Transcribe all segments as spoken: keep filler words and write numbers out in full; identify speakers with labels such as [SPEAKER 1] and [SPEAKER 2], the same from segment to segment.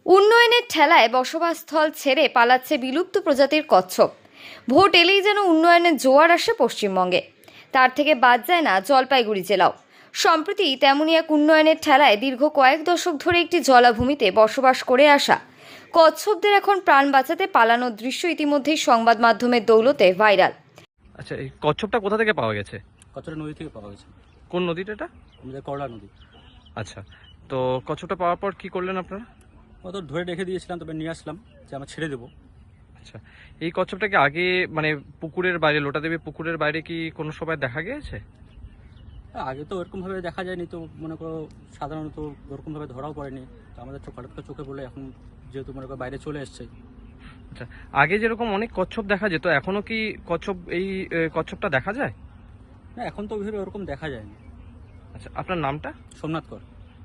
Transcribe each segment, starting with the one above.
[SPEAKER 1] উন্নয়নের ঠেলায় বসবাসস্থল ছেড়ে পালাচ্ছে বিলুপ্ত প্রজাতির কচ্ছপ। ভোট এলেই যেন উন্নয়নের জোয়ার আসে পশ্চিমবঙ্গে, তার থেকে বাদ যায় না জলপাইগুড়ি জেলাও। সম্প্রতি তেমনই এক উন্নয়নের ঠেলায় দীর্ঘ কয়েক দশক ধরে একটি জলাভূমিতে বসবাস করে আসা কচ্ছপদের এখন প্রাণ বাঁচাতে পালানোর দৃশ্য ইতিমধ্যেই সংবাদ মাধ্যমের দৌলতে ভাইরাল।
[SPEAKER 2] আচ্ছা, এই কচ্ছপটা কোথা থেকে পাওয়া গেছে?
[SPEAKER 3] কচ্ছপটা নদী থেকে পাওয়া গেছে।
[SPEAKER 2] কোন নদীটা এটা?
[SPEAKER 3] আমাদের করলা নদী।
[SPEAKER 2] আচ্ছা, তো কচ্ছপটা পাওয়ার পর কি করলেন আপনারা?
[SPEAKER 3] ও তো ধরে রেখে দিয়েছিলাম, তবে নিয়ে আসলাম যে আমরা ছেড়ে দেবো।
[SPEAKER 2] আচ্ছা, এই কচ্ছপটাকে আগে মানে পুকুরের বাইরে, লোটাদেবী পুকুরের বাইরে কি কোনো সময় দেখা গিয়েছে?
[SPEAKER 3] আগে তো ওরকমভাবে দেখা যায়নি, তো মনে করো সাধারণত ওরকমভাবে ধরাও পড়েনি। তো আমাদের চোখ হঠাৎ করে চোখে পড়লে এখন যেহেতু মনে করো বাইরে চলে এসছে।
[SPEAKER 2] আচ্ছা, আগে যেরকম অনেক কচ্ছপ দেখা যেত, এখনো কি কচ্ছপ এই এ, কচ্ছপটা দেখা যায়?
[SPEAKER 3] না, এখন তো ওইভাবে ওরকম দেখা যায়নি।
[SPEAKER 2] আচ্ছা, আপনার নামটা?
[SPEAKER 3] সোমনাথ কর।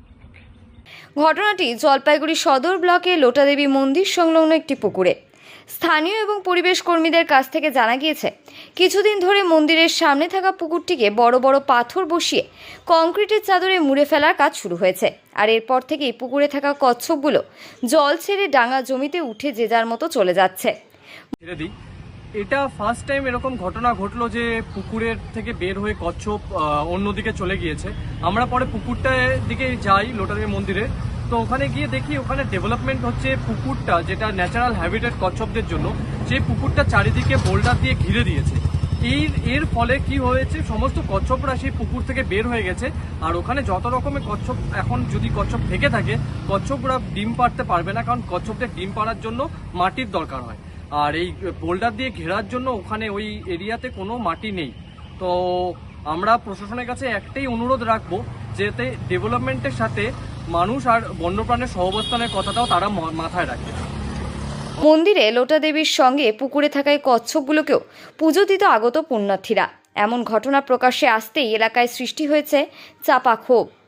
[SPEAKER 1] ঘটনাটি জলপাইগুড়ি সদর ব্লকে লোটাদেবী মন্দির সংলগ্ন একটি পুকুরে। স্থানীয় এবং পরিবেশ কর্মীদের কাছ থেকে জানা গিয়েছে, কিছুদিন ধরে মন্দিরের সামনে থাকা পুকুরটিকে বড় বড় পাথর বসিয়ে কংক্রিটের চাদরে মুড়ে ফেলার কাজ শুরু হয়েছে। আর এরপর থেকেই পুকুরে থাকা কচ্ছপগুলো জল ছেড়ে ডাঙা জমিতে উঠে যে যার মতো চলে যাচ্ছে।
[SPEAKER 2] এটা ফার্স্ট টাইম এরকম ঘটনা ঘটলো যে পুকুরের থেকে বের হয়ে কচ্ছপ অন্যদিকে চলে গিয়েছে। আমরা পরে পুকুরটার দিকে যাই, লোটাদেবী মন্দিরে, তো ওখানে গিয়ে দেখি ওখানে ডেভেলপমেন্ট হচ্ছে। পুকুরটা যেটা ন্যাচারাল হ্যাবিটেট কচ্ছপদের জন্য, সেই পুকুরটা চারিদিকে বোল্ডার দিয়ে ঘিরে দিয়েছে। এই এর ফলে কি হয়েছে, সমস্ত কচ্ছপরা সেই পুকুর থেকে বের হয়ে গেছে। আর ওখানে যত রকমের কচ্ছপ, এখন যদি কচ্ছপ থেকে থাকে, কচ্ছপরা ডিম পাড়তে পারবে না, কারণ কচ্ছপদের ডিম পাড়ার জন্য মাটির দরকার হয়। আর এই বোল্ডার দিয়ে ঘেরার জন্য ওখানে ওই এরিয়াতে কোনো মাটি নেই। তো আমরা প্রশাসনের কাছে একটাই অনুরোধ রাখবো, যাতে ডেভেলপমেন্টের সাথে মানুষ আর বন্যপ্রাণের সহাবস্থানের কথাটাও তারা মাথায় রাখে।
[SPEAKER 1] মন্দিরে লোটাদেবীর সঙ্গে পুকুরে থাকা এই কচ্ছপগুলোকেও পুজো দিতে আগত পুণ্যার্থীরা। এমন ঘটনা প্রকাশ্যে আসতেই এলাকায় সৃষ্টি হয়েছে চাপা ক্ষোভ।